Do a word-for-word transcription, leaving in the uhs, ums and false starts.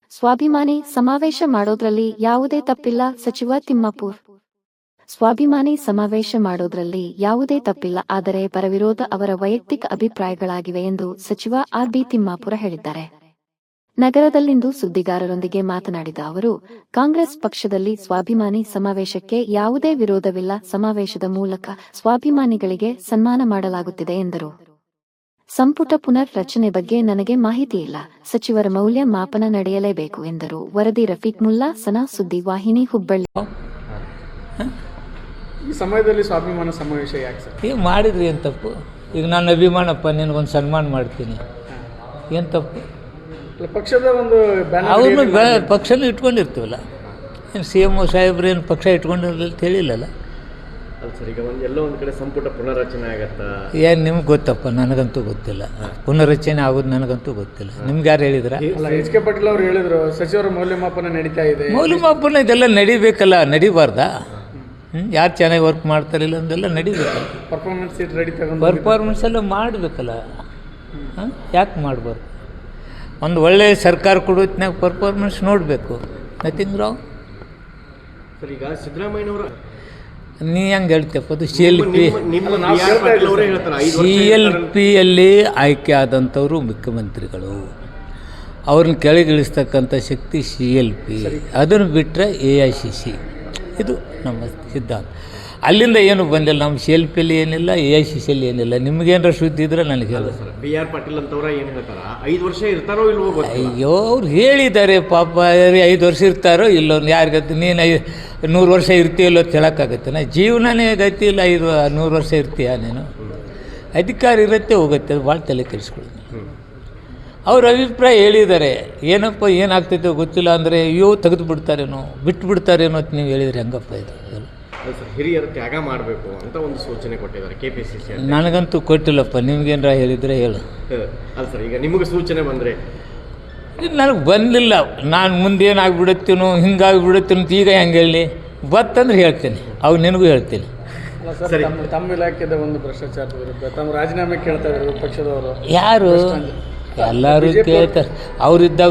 ಸ್ವಾಭಿಮಾನಿ ಸಮಾವೇಶ ಮಾಡೋದ್ರಲ್ಲಿ ಯಾವುದೇ ತಪ್ಪಿಲ್ಲ ಸಚಿವ ತಿಮ್ಮಾಪುರ್. ಸ್ವಾಭಿಮಾನಿ ಸಮಾವೇಶ ಮಾಡೋದ್ರಲ್ಲಿ ಯಾವುದೇ ತಪ್ಪಿಲ್ಲ, ಆದರೆ ಪರವಿರೋಧ ಅವರ ವೈಯಕ್ತಿಕ ಅಭಿಪ್ರಾಯಗಳಾಗಿವೆ ಎಂದು ಸಚಿವ ಆರ್ ಬಿ ತಿಮ್ಮಾಪುರ ಹೇಳಿದ್ದಾರೆ. ನಗರದಲ್ಲಿಂದು ಸುದ್ದಿಗಾರರೊಂದಿಗೆ ಮಾತನಾಡಿದ ಅವರು, ಕಾಂಗ್ರೆಸ್ ಪಕ್ಷದಲ್ಲಿ ಸ್ವಾಭಿಮಾನಿ ಸಮಾವೇಶಕ್ಕೆ ಯಾವುದೇ ವಿರೋಧವಿಲ್ಲ, ಸಮಾವೇಶದ ಮೂಲಕ ಸ್ವಾಭಿಮಾನಿಗಳಿಗೆ ಸನ್ಮಾನ ಮಾಡಲಾಗುತ್ತಿದೆ ಎಂದರು. ಸಂಪುಟ ಪುನರ್ ರಚನೆ ಬಗ್ಗೆ ನನಗೆ ಮಾಹಿತಿ ಇಲ್ಲ, ಸಚಿವರ ಮೌಲ್ಯ ಮಾಪನ ನಡೆಯಲೇಬೇಕು ಎಂದರು. ವರದಿ ರಫೀಕ್ ಮುಲ್ಲಾ, ಸನಾ ಸುದ್ದಿ ವಾಹಿನಿ, ಹುಬ್ಬಳ್ಳಿ. ಈ ಸಮಯದಲ್ಲಿ ಸ್ವಾಭಿಮಾನ ಸಮಾವೇಶ ಯಾಕೆ ಸರ್? ಏನು ಮಾಡಿದ್ರಿ ಏನು ತಪ್ಪು? ಈಗ ನಾನು ಅಭಿಮಾನಪ್ಪ ನಿನಗೊಂದು ಸನ್ಮಾನ ಮಾಡ್ತೀನಿ, ಏನು ತಪ್ಪು? ಪಕ್ಷದ ಒಂದು ಅವ್ರನ್ನ ಬೆ ಪಕ್ಷನ ಇಟ್ಕೊಂಡಿರ್ತೀವಲ್ಲ, ಏನು ಸಿ ಎಮ್ ಒ ಸಾಹೇಬ್ರು ಏನು ಪಕ್ಷ ಇಟ್ಕೊಂಡಿರಲಿಲ್ಲ ತಿಳಿಲ್ಲಲ್ಲ. ಅಲ್ಲ ಸರ್, ಈಗ ಒಂದು ಎಲ್ಲೋ ಒಂದು ಕಡೆ ಸಂಪುಟ ಪುನರ್ರಚನೆ ಆಗತ್ತಾ? ಏನು ನಿಮ್ಗೆ ಗೊತ್ತಪ್ಪ, ನನಗಂತೂ ಗೊತ್ತಿಲ್ಲ. ಪುನರ್ರಚನೆ ಆಗೋದು ನನಗಂತೂ ಗೊತ್ತಿಲ್ಲ. ನಿಮ್ಗೆ ಯಾರು ಹೇಳಿದ್ರ? ಎಚ್ ಕೆ ಪಾಟೀಲ್ ಅವರು ಹೇಳಿದ್ರು ಸಚಿವರ ಮೌಲ್ಯಮಾಪನ ನಡೀತಾ ಇದೆ. ಮೌಲ್ಯಮಾಪನ ಇದೆಲ್ಲ ನಡಿಬೇಕಲ್ಲ, ನಡಿಬಾರ್ದಾ? ಹ್ಞೂ ಯಾರು ಚೆನ್ನಾಗಿ ವರ್ಕ್ ಮಾಡ್ತಾರಿಲ್ಲ ಅಂದೆಲ್ಲ ನಡಿಬೇಕಲ್ಲ. ಪರ್ಫಾರ್ಮೆನ್ಸ್ ಸೀಟ್ ರೆಡಿ ತಗೊಂಡು ಪರ್ಫಾರ್ಮೆನ್ಸ್ ಎಲ್ಲ ಮಾಡಬೇಕಲ್ಲ. ಹಾಂ, ಯಾಕೆ ಮಾಡಬಾರ್ದು? ಒಂದು ಒಳ್ಳೆಯ ಸರ್ಕಾರ ಕೊಡೋತ್ನಾಗ ಪರ್ಫಾರ್ಮೆನ್ಸ್ ನೋಡಬೇಕು. Nothing wrong. ಸರ್, ಈಗ ಸಿದ್ದರಾಮಯ್ಯನವರು ನೀ ಹೆಂಗೆ ಹೇಳ್ತಪ್ಪ? ಅದು C L P C C L ಪಿಯಲ್ಲಿ ಆಯ್ಕೆ ಆದಂಥವರು ಮುಖ್ಯಮಂತ್ರಿಗಳು. ಅವ್ರನ್ನ ಕೆಳಗಿಳಿಸ್ತಕ್ಕಂಥ ಶಕ್ತಿ ಸಿ ಎಲ್ ಪಿ. ಅದನ್ನು ಬಿಟ್ಟರೆ ಎ ಐ ಸಿ ಸಿ. ಇದು ನಮ್ಮ ಸಿದ್ಧಾಂತ. ಅಲ್ಲಿಂದ ಏನು ಬಂದಿಲ್ಲ. ನಮ್ಮ ಸಿ ಎಲ್ ಪಿಯಲ್ಲಿ ಏನಿಲ್ಲ, ಎ ಐ ಸಿ ಸಿಯಲ್ಲಿ ಏನಿಲ್ಲ. ನಿಮಗೇನಾರ ಸುದ್ದಿ ಇದ್ರೆ ನನಗೆ ಹೇಳ. ಬಿ ಆರ್ ಪಾಟೀಲ್ ಅಂತವ್ರ ಏನು ಹೇಳ್ತಾರ, ಐದು ವರ್ಷ ಇರ್ತಾರೋ ಇಲ್ವೋ ಗೊತ್ತಿಲ್ಲ. ಅಯ್ಯೋ, ಅವ್ರು ಹೇಳಿದ್ದಾರೆ ಪಾಪ. ಐದು ವರ್ಷ ಇರ್ತಾರೋ ಇಲ್ಲೋ ಯಾರಿಗತ್ತೆ? ನೀನು ಐ ನೂರು ವರ್ಷ ಇರ್ತೀಯಲ್ಲೋ ಹೇಳೋಕ್ಕಾಗತ್ತೆ? ನಾ ಜೀವನನೇ ಗತಿ ಇಲ್ಲ, ಐದು ನೂರು ವರ್ಷ ಇರ್ತೀಯ ನೀನು? ಅಧಿಕಾರ ಇರುತ್ತೆ, ಹೋಗುತ್ತೆ. ಅದು ಭಾಳ ತಲೆ ಕೆಡಿಸ್ಕೊಳ್ಳಿ. ಅವ್ರ ಅಭಿಪ್ರಾಯ ಹೇಳಿದ್ದಾರೆ. ಏನಪ್ಪ ಏನಾಗ್ತೈತೆ ಗೊತ್ತಿಲ್ಲ ಅಂದರೆ, ಅಯ್ಯೋ ತೆಗೆದು ಬಿಡ್ತಾರೇನೋ, ಬಿಟ್ಟು ಬಿಡ್ತಾರೇನೋ ಅಂತ ನೀವು ಹೇಳಿದರೆ ಹೆಂಗಪ್ಪ ಇದು? ಹಿರಿಯರು ತ್ಯಾಗ ಮಾಡಬೇಕು ಅಂತ ಒಂದು ಸೂಚನೆ ಕೊಟ್ಟಿದ್ದಾರೆ ಕೆ ಪಿ ಸಿ ಸಿ. ನನಗಂತೂ ಕೊಟ್ಟಿಲ್ಲಪ್ಪ. ನಿಮ್ಗೇನಾರ ಹೇಳಿದರೆ ಹೇಳು. ಅಲ್ಲ ಸರ್, ಈಗ ನಿಮಗೆ ಸೂಚನೆ ಬಂದರೆ? ನನಗೆ ಬಂದಿಲ್ಲ. ನಾನು ಮುಂದೇನಾಗ್ಬಿಡುತ್ತೀನೋ, ಹಿಂಗಾಗಿಬಿಡುತ್ತೀನೋ ಅಂತ ಈಗ ಹೆಂಗೆ ಹೇಳಿ? ಬತ್ತಂದ್ರೆ ಹೇಳ್ತೀನಿ, ಅವು ನಿನಗೂ ಹೇಳ್ತೀನಿ. ಸರ್, ತಮ್ಮ ಇಲಾಖೆದ ಒಂದು ಭ್ರಷ್ಟಾಚಾರದ ವಿರುದ್ಧ ತಮ್ಮ ರಾಜೀನಾಮೆ ಕೇಳ್ತಾ ಇದ್ದಾರೆ ಪಕ್ಷದವರು. ಯಾರು? ಎಲ್ಲರೂ ಕೇಳ್ತಾರೆ. ಅವರಿದ್ದಾಗ